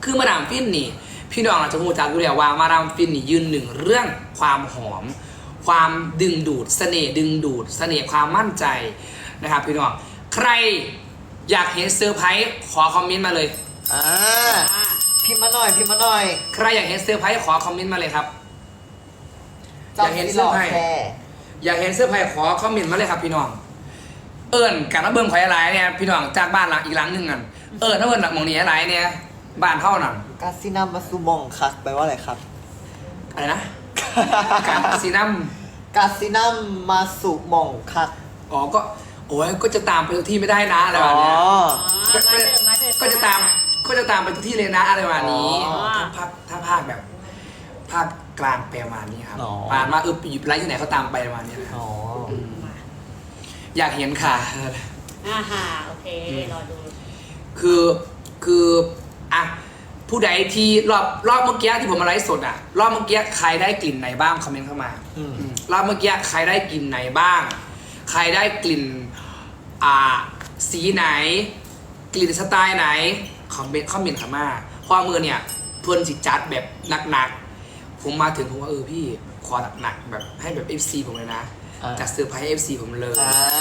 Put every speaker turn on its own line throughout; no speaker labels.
คือมาดามฟินนี่พี่น้องอาจจะรู้จักอยู่แล้วว่ามาดามฟินนี่ยืนหนึ่งเรื่องความหอม ความดึงดูดเสน่ห์ดึงดูดเสน่ห์ความมั่นใจนะครับพี่น้องใครอยากเห็นเซอร์ไพรส์ขอคอมเมนต์มาเลย
พิมพ์มาหน่อยพิมพ์มาหน่อย
ใครอยากเห็นเซอร์ไพรส์ขอคอมเมนต์มาเลยครับอยากเห็นเซอร์ไพรส์อยากเห็นเซอร์ไพรส์ขอคอมเมนต์มาเลยครับพี่น้องเอิญการมาเบิ่งข่อยอะไรเนี่ยพี่น้องจากบ้านหลังอีกหลังหนึ่งกันถ้าเอิญหลังมองนี้อะไรเนี่ยบ้านเท่านั้น
กาซินัมมาซูมองคักแปลว่าอะไรครับ
อะไรนะกาซินัม
มาสุมองคัก
อ๋อก็โอ้ยก็จะตามไปทุกที่ไม่ได้นะอะไรแบบนี้ก็จะตามไปทุกที่เลยนะอะไรแบบนี้ถ้าภาคแบบภาคกลางแปลมานี้ครับผ่านมาอยู่ไรที่ไหนเขาตามไปประมาณนี้นะครับอยากเห็นค่ะ
โอเครอดู
คืออ่ะผู้ใดที่รอบเมื่อกี้ที่ผมมาไลฟ์สดอ่ะรอบเมื่อกี้ใครได้กลิ่นไหนบ้างคอมเมนต์เข้ามารอบเมื่อกี้ใครได้กลิ่นไหนบ้างใครได้กลิ่นสีไหนกลิ่นสไตล์ไหนคอมเมนต์เข้ามาความมือเนี่ยเพื่อนสิจัดแบบหนักๆผมมาถึงผมว่าพี่ขอหนักๆแบบให้แบบ FC ผมเลยนะจัดเซอร์ไพรส์ FC ผมเลย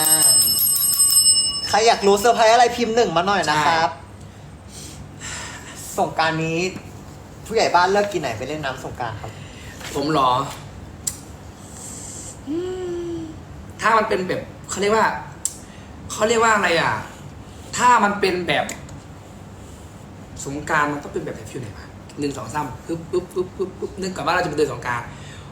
ใครอยากรู้เซอร์ไพรส์อะไรพิมพ์1มาหน่อยนะครับสงกรานต์นี้ผู้ใหญ่บ้านเลิกกินไหนไปเล่นน้ำสงกรานต์ครับ
ผมหรอถ้ามันเป็นแบบเขาเรียกว่าอะไรอ่ะถ้ามันเป็นแบบสงกรานต์มันต้องเป็นแบบฟิวไหนวะ1 2 3ปึ๊บนึกก่อนว่าเราจะไปเดินสงกรานต์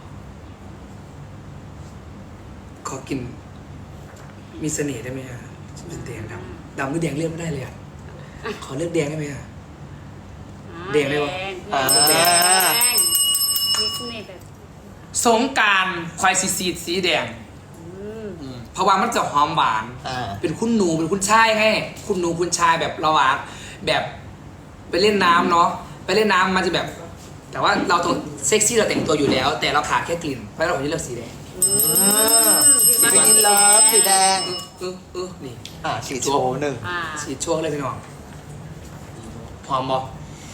ขอกินมีเสน่ห์ได้ไหมอ่ะเป็นแดงดำหรือแดงเลือกไม่ได้เลยอ่ะขอเลือกแดงได้ไหมอ่ะแดงได้ปะ
แดงมีเสน่ห์แบบ
สงกรานต์ควายสีแดงเพราะว่ามันจะหอมหวานเป็นคุณหนูเป็นคุณชายให้คุณหนูคุณชายแบบระหว่างแบบไปเล่นน้ำเนาะไปเล่นน้ำมันจะแบบแต่ว่าเราต้องเซ็กซี่เราแต่งตัวอยู่แล้วแต่เราขาดแค่กลิ่นเพราะเราเลือกสีแดง
สีกินเลิฟสีแดง
นี่
สีโชว์1
สีช่วงเลยพี่น้องหอมบ่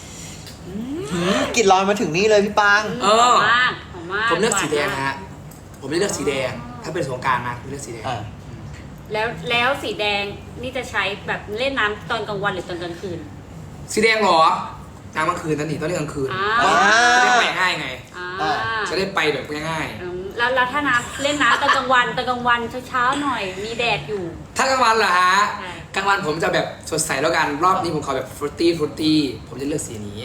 กลิ่นลอยมาถึงนี่เลยพี่ปัง
หอมมาก
ผมเลือกสีแดงนะฮะผมไม่เลือกสีแดงถ้าเป็นสงกรานต์นะผมเลือกสีแดง
แล้วสีแดงนี่จะใช้แบบเล่นน้ำตอนกลางวันหรือตอนกลางคืน
สีแดงเหรอน้ำกลางคืนนั่นนี่ต้องเล่นกลางคืนจะได้ไปง่ายไงจะได้ไปแบบง่าย
แล้วถ้าน้ำเล่นน้ำตอนกลางวันเช้าหน่อยมีแดดอยู่
ถ้ากลางวันเหรอฮะกลางวันผมจะแบบสดใสแล้วกันรอบนี้ผมขอแบบฟรุตตี้ผมจะเลือกสีนี้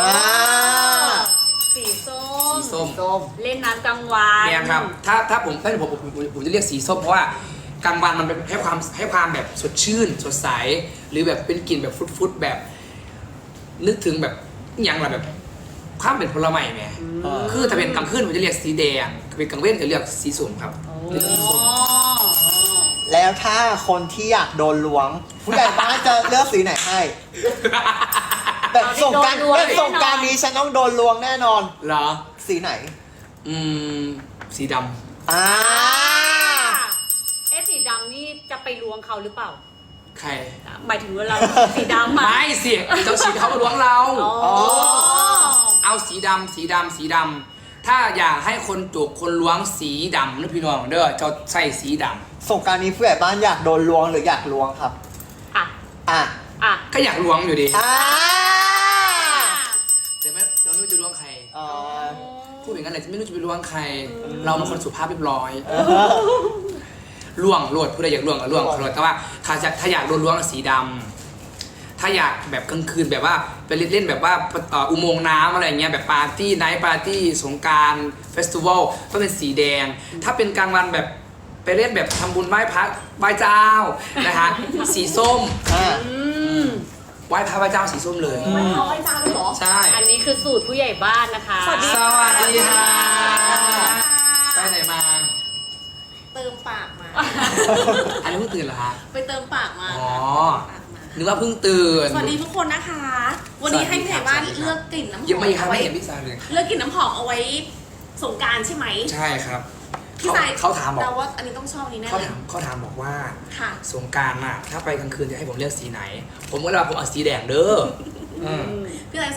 สีส้มเล่นน้ำกลางวัน
เนี่ยครับถ้าผมจะเรียกสีส้มเพราะว่ากลางวันมันเป็นให้ความแบบสดชื่นสดใสหรือแบบเป็นกลิ่นแบบฟุดแบบนึกถึงแบบอย่างไรแบบความเป็นผลไม้ไงคือถ้าเป็นกลางคืนผมจะเรียกสีแดงถ้าเป็นกลางเว้นจะเรียกสีส้มครับ
แล้วถ้าคนที่อยากโดนล้วงผู้ใหญ่บ้านจะเลือกสีไหนให้แบบส่งการนี้ฉันต้องโดนล้วงแน่นอน
เหรอ
สีไหน
สีดำ
สีดำนี่จะไปล้วงเขาหรือเปล่า
ใคร
หมายถึงว่าเราสีดำ
ไม่สิเจ้าสีเขามาล้วงเราเอาสีดำถ้าอยากให้คนจุกคนล้วงสีดำนะพี่น้องเด้อจะใส่สีด
ำส่งการนี้ผู้ใหญ่บ้านอยากโดนล้วงหรืออยากล้วงครับ
ก็อยากล้วงอยู่ดีแต่เราไม่รู้จะล้วงใครพูดอย่างนั้นเลยไม่รู้จะไปล้วงใครเราเป็นคนสุภาพเรียบร้อยล้วงโลดผู้ใดอยากล้วงก็ล้วงโลดแต่ว่าถ้าอยากโดนล้วงสีดำถ้าอยากแบบกลางคืนแบบว่าไปเล่นแบบว่าอุโมงค์น้ำอะไรเงี้ยแบบปาร์ตี้ไนท์ปาร์ตี้สงกรานต์เฟสติวัลต้องเป็นสีแดงถ้าเป็นกลางวันแบบไปเล่นแบบทำบุญไหว้พระไหว้เจ้านะฮะสีส้มไหว้พระไหว้เจ้าสีส้มเลย
ไหว้เจ้าเลยเหรอ
ใช่
อันนี้คือสูตรผู้ใหญ่บ้านนะคะ
สวัสดีค่ะไปไหนมา
เติมปากมา
อันนี้เพิ่งตื่นเหรอฮะ
ไปเติมปากมา
นึกว่าเพิ่งตื่น
สวัสดีทุกคนนะคะวันนี้ให้ผู้ใหญ่บ้านเลือกกลิ่นน้ำหอม
ยังไม่ครับไม่เห็นพี่สายเลย
เลือกกลิ่นน้ำหอมเอาไว้สงกรานต์ใช่ไหม
ใช่ครับ
พี่สาย
เขาถามบอก
แต่ว่าอันนี้ต้องชอบนี้แน่เลย
เขาถามบอกว่าสงกรานต์น่ะถ้าไปกลางคืนจะให้ผมเลือกสีไหนผมก็เลยว่าผมเอาสีแดงเด้อ
พี่สายสี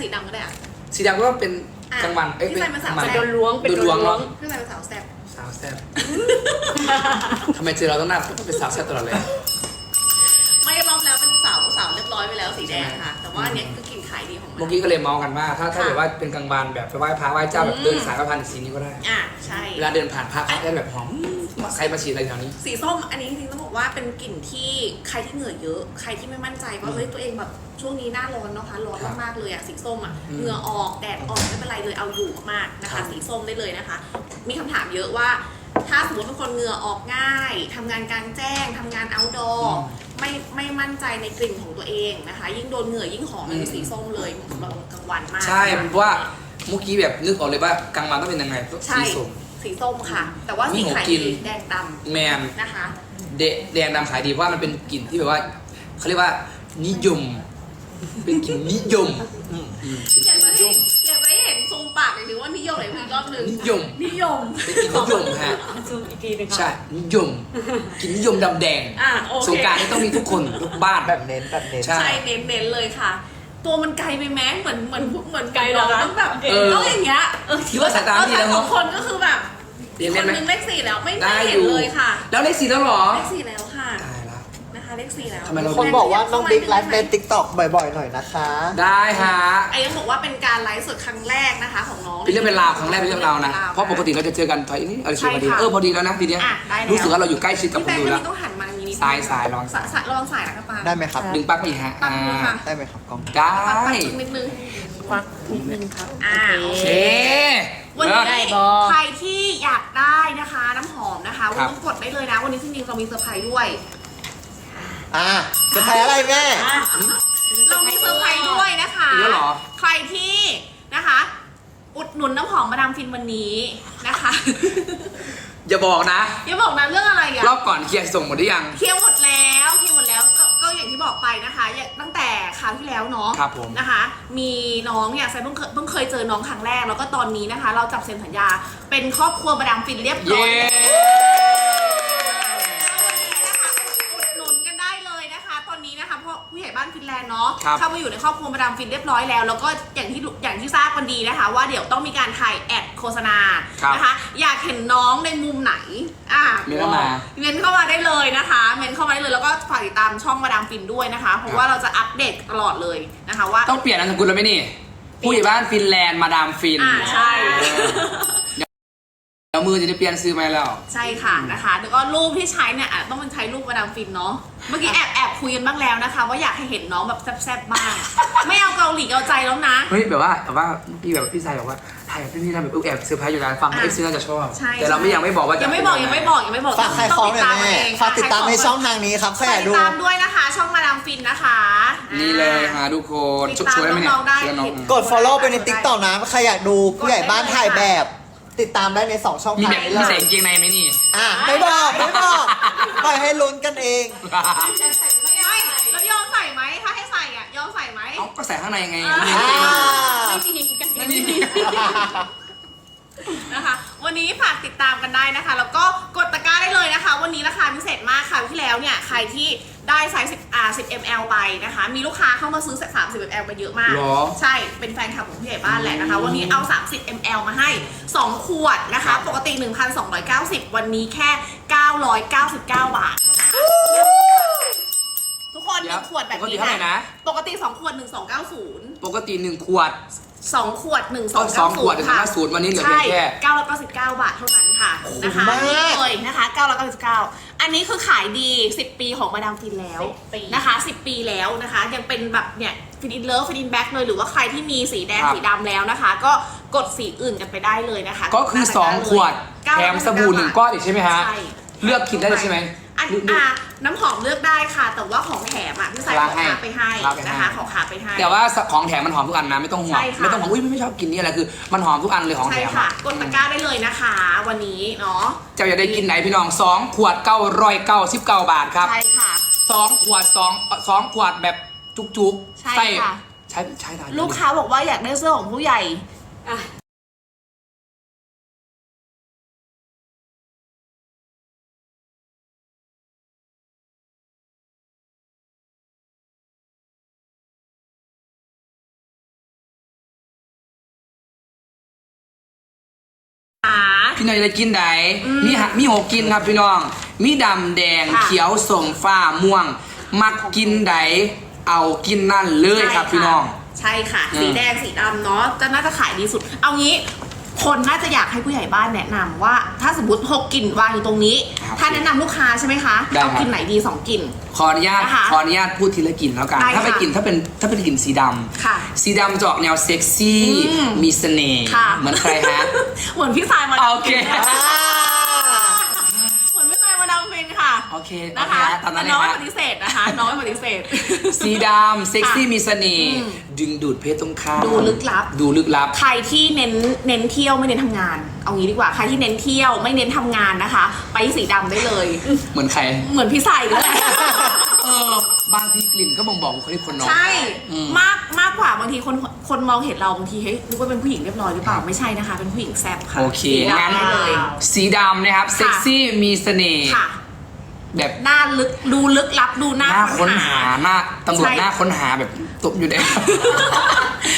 สีดำก็ได้อะ
สีดำก็เป็นกลางวันเอ้ย
พี่ใส่เป็นสาว
กลาง
เป็
วัน
นโดนล้วงเป็น
โด
โด
น
น
ล้วง
ล้วง
พี่ใส่เป็นสาวแซ่บ
สาวแซ่บทำไมเจอเราต้องหน้าต้องเป็นสาวแซ่บตลอดเลย
ไม่รอบแล้วเป็นสาวเรียบร้อยไปแล้วสีแดงค่ะ แต่ว่าอันเนี้ยคือกลิ่นขายดีของมัน
เมื่อกี้ก็เลยเมาส์กันว่าถ้าแบบว่าเป็นกลางวันแบบไปไหว้พระไหว้เจ้าแบบเดินสายพระพันสีนี้ก็ได้
ใช่
เวลาเดินผ่านพระได้แบบหอมใครมาฉีดอะไรแถวนี้
สีส้มอันนี้จริงๆต้องบอกว่าเป็นกลิ่นที่ใครที่เหงื่อเยอะใครที่ไม่มั่นใจว่าเฮ้ยตัวเองแบบช่วงนี้หน้าร้อนเนาะคะร้อนมากๆเลยอะสีส้มอะเหงื่อออกแดดออกไม่เป็นไรเลยเอาอยู่มากๆนะ
ครั
คะ
บ
สีส้มได้เลยนะคะ มีคำถามเยอะว่า ถ้าสมมติเป็นคนเหงื่อออกง่ายทำงานกลางแจ้งทำงาน outdoor ไม่มั่นใจในกลิ่นของตัวเองนะคะ ยิ่งโดนเหงื่อยิ่งหอมเป็นสีส้มเลยเหมาะสำหรับกลางวันมาก
ใช่เพราะว่าเมื่อกี้แบบนึกออกเลยว่ากลางวันต้องเป็นยังไงต้อง
ใช่
สีส้ม
สีส้มค่ะ แต่ว่าสี
นี่
ขาย
ผมกิน
ดีแดงด
แมน
ำนะคะ
แดงดำขายดีเพราะว่ามันเป็นกลิ่นที่แบบว่าเขาเรียกว่านิยม เป็นกลิ่นนิยม
อยากจะให้เห็นซูมปากหรือว่านิยมไหนอีกรอบหนึ่ง
นิยม
นิยม
เป็นกลิ่นนิยมฮะ
ซูมอีกทีหนึงค่ะ
ใช่นิยมกลิ่นนิยมดำแดง
โอเค
สงกรารนี่ต้องมีทุกคนทุกบ้าน
แบบเน้นแบบเน้น
ใช่
ใช่เน้นๆเลยค่ะ ตัวมันไกลไปแม้เหมือน
ไกลเหรอคะ
ต้องแบบ
เออ
ต้องอย่างเงี้ย
คิดว่าสายตาดีแล้ว
ส
เน
อ
อะ
งคนก็คือแบบ
เรียน
ค
เล่น
น
ไหม
หนึงเลข4แล้วไม่
ได้
เห็
อน ยู่
เลยค่ะ
แล้วเลขสี่แล้วเหรอ
เลข4แล้วค่ะ
ตายละ
นะคะเลข4แล้ว
ทำไมเรา
คนบอกว่าน้องบิ๊กไลฟ์ในติ๊กต็อกบ่อยๆหน่อยนะคะ
ได้ฮะ
ไอ้ยังบอกว่าเป็นการไลฟ์สดครั้งแรกนะคะของน้อง
เป็นเรื่องเป็นราวครั้งแรกเป็นเรื่องราวนะ เพราะปกติเราจะเจอกันถอยนี่อะไรชวนพอดี
ใช่ค่ะ
พอดีแล้วนะทีเนี้ย
ได้แล้ว
รู้สึกว่าเราอยู่ใกล้ชิดกับ
พี่
คน
แบง
ดู
ค์
แล้ว
นี่ต้องหันมาอย่างนี้นิดนึง
สายระวังสาย
ระวังสายนะครับปา
ได้ไหมครับ
ดึงปลั๊กไปอีกฮะ
ตั้งมือค่ะ
ได้ไหมครับกล้อง
ได้
ปัดนิดนึง
ควักนิดนึงครับ
โอเค
วัน
เลิ
นี้
ศ
ใครที่อยากได้นะคะน้ำหอมนะคะวัน
ครับ
นี้กดได้เลยนะ วันนี้จริงๆเรามีเซอร์ไพรส์ด้วย
จะแพ้อะไรแม่
เรามีเซอร์ไพรส์ด้วยนะคะ
อีกแล้วเหรอ
ใครที่นะคะ อุดหนุนน้ำหอมมาดามฟินวันนี้นะคะ
อย่าบอกนะ
อย่าบอกนะเรื่องอะไรอะ
รอบก่อนเคลียร์ส่งหมดหรือยัง
เคลียร์หมดแล้วก็อย่างที่บอกไปนะคะตั้งแต่คราวที่แล้วเนาะ
ครับผม
นะคะ มีน้องเนี่ยไซเพิ่งเคยเจอน้องครั้งแรกแล้วก็ตอนนี้นะคะ เราจับเซ็นสัญญาเป็นครอบครัวมาดามฟินเรียบร้อ
เย้
ยนะคะอุดหนุนกันได้เลยนะคะ ตอนนี้นะคะเพราะผู้ใหญ่บ้านฟินแลนด์เนาะ
ครับ
เข้ามาอยู่ในครอบครัวมาดามฟินเรียบร้อยแล้วแล้วก็อย่างที่ทราบกันดีนะคะ ว่าเดี๋ยวต้องมีการถ่ายแอดโฆษณา
ครับ
นะคะ อยากเห็นน้องในมุมไหน
เมนเข้ามา
เมนเข้ามาได้เลยนะคะเมนเข้ามาได้เลยแล้วก็ฝากติดตามช่องมาดามฟินด้วยนะคะเพราะว่าเราจะอัปเดตตลอดเลยนะคะว่า
ต้องเปลี่ยนนามสกุลแล้วไหมนี่ ผู้ใหญ่บ้านฟินแลนด์มาดามฟิน
ใช่
เดี๋ยวมือจะได้เปลี่ยนซื้อมาให้แล้ว
ใช่ค่ะนะคะแล้วก็รูปที่ใช้เนี่ยอาจต้องเป็นใช้รูปมาดามฟินเนาะเมื่อกี้แอบคุยกันบ้างแล้วนะคะ ว่าอยากให้เห็นน้องแบบแซ่บๆบ้างไม่เอาเกาหลีเอาใจแล้วนะ
เฮ้ยแบบว่าพี่แบบพี่ชายบอกว่าถ่ายแบบพี่ทำแบบแอบเซอร์ไพรส์อยู่นะฟัง
อ่ะ
เอฟซีน่าจะชอบ
ใช่
แต่เรายังไม่บอกว่าจะ
ยังไม่บอก
ฝากขายของหน่อยแม่ฝากติดตามในช่องทางนี้ครับใครอยาก
ติ
ดู
ดตามด้วยนะคะ ช่องมาดามฟินนะคะ
นี่เลยฮะทุกคน
ติดตาม
ช่วยไหมเนี่ย
น้องๆได้
ช่วยน้อง
กด follow ไปใน TikTok นะใครอยากดูผู้ใหญ่บ้านถ่ายแบบ ติดตามได้ใน 2 ช่อง
มี
ทาง
แบบ
นี้เล
มีใส่
ย
กางเกงในไหมนี่
ไม่บอกปล่อยให้ลุ้นกันเอง
ไม่แล้วยอมใส่ไหมถ้าให้ใส่อ่ะยอมใส่ไหม
เอาก็ใส่ข้างในไง
ไม่มีกัน
ไม่มี
นะคะ วันนี้ฝากติดตามกันได้นะคะ แล้วก็กดตะกร้าได้เลยนะคะ วันนี้ราคาพิเศษมากค่ะที่แล้วเนี่ยใครที่ได้ไซส์10 ml ไปนะคะ มีลูกค้าเข้ามาซื้อ30 ml ไปเยอะมาก
หรอ
ใช่เป็นแฟนคลับของผู้ใหญ่บ้านแหละนะคะ วันนี้เอา30 ml มาให้ 2 ขวดนะ
ครั
คะ
บ
ปกติ 1,290 วันนี้แค่ 999 บาทนะคะทุกคนหนึ่งขวดแบบ
ปกติ
นี้
เท่าไหร่นะ
ปกติ2 ขวด 1290
ปกติ1 ขวด
2 ขวด
สองขวด
ค่ะ
1,290วันนี้เหลือเพียงแค่
999 บาทเท่านั้นค่ะนะคะ
มาก
นี่เลยนะคะ999อันนี้คือขายดี 10 ปีของมาดามฟินแล้ว
10 ปี
นะคะ 10 ปีแล้วนะคะ ยังเป็นแบบเนี่ยฟินอินเลิฟฟินอินแบ็กเลยหรือว่าใครที่มีสีแดง
ครับ
สีดำแล้วนะคะ ก็กดสีอื่นกันไปได้เลยนะคะ
ก็คือ 2 ขวด แถมสบู่1 ก้อนอีกใช่ไหมฮะ
ใช่
เลือกคิดได้เลยใช่ไหม
อันน้ำหอมเลือกได้ค่ะ แต่ว่าของแถมอ่ะพี่สายขอขาไปให้นะคะขอขาไปให้
แต่ว่าของแถมมันหอมทุกอันนะไม่ต้องห่วง
ใช่ค่ะ
ไม่ต้องห่วงอุ้ยไม่ชอบกินนี่อะไรคือมันหอมทุกอันเลยของแถ
ใช่
ม
ค่ะ
อะ
กดตะกร้าได้เลยนะคะ วันนี้เนาะ
เจ้าอยากได้กินไหนพี่น้อง2 ขวด999 บาทครับ
ใช่ค่ะ
2 ขวด2 ขวดแบบจุกๆ
ใช่ค่ะ
ใช้ได้
ลูกค้าบอกว่าอยากได้เสื้อของผู้ใหญ่
อ่ะ
พี่น้องจะกินไหนมีหกกินครับพี่น้อง มีดำแดง
ค่ะ
เขียวส้มฟ้าม่วง มักกินไหนเอากินนั่นเลยครับพี่น้อง
ใช่ค่ะ สีแดงสีดำเนาะจะน่าจะขายดีสุด เอางี้คนน่าจะอยากให้ผู้ใหญ่บ้านแนะนำว่า ถ้าสมมติ6กลิ่นวางอยู่ตรงนี้
ครับ
ถ้าแนะนำลูกค้าใช่ไหมคะ
ได้ครับ
เอากลิ่นไหนดี2กลิ่น
ขออนุญาต
นะคะ
พูดทีละกลิ่นแล้วกัน
ได้
ถ้าเป็น
ค่ะ
กลิ่นถ้าเป็นกลิ่นสีดำ
ค่ะ
สีดำจะออกแนวเซ็กซี่ มีเสน่ห์
ค่ะ
เหมือนใครฮะ
เหมือนพี่สายมา
โอเค
เหมือนพี่สายมาดามฟินค่ะ
โอเค
นะคะ
ตามนั้น
แต่น้อง
เลย
ไม่
ฮะ
ปฏิเสธนะคะ น้องไม่ปฏิเสธ
สีดำเซ็กซี่มีเสน่ห์ดึงดูดเพศตรงข้าม
ดูลึกลับ
ดูลึกลับ
ใครที่เน้นเที่ยวไม่เน้นทำงาน เอางี้ดีกว่า ใครที่เน้นเที่ยวไม่เน้นทำงานนะคะ ไปสีดำได้เลย
เหมือนใคร
เหมือนพี่สายนั่นแหละ
บางทีกลิ่นก็บ่งบอกบุคลิกคนน้อง
ใช่
อืม
มากกว่าบางทีคนมองเห็นเราบางทีเฮ้ยนึกว่าเป็นผู้หญิงเรียบร้อยหรือเปล่าไม่ใช่นะคะ เป็นผู้หญิงแซ่บค่ะ
โอเค
สีดำ
งั้น
ได้เลย
สีดำนะครับ เซ็กซี่มีเสน่ห์
ค่ะ
แบบ
หน้าลึกดูลึกลับดูหน้า
หน้าค้นหาหน้าตำรวจ
ใช่
หน้าค้นหาแบบตบอยู่ใน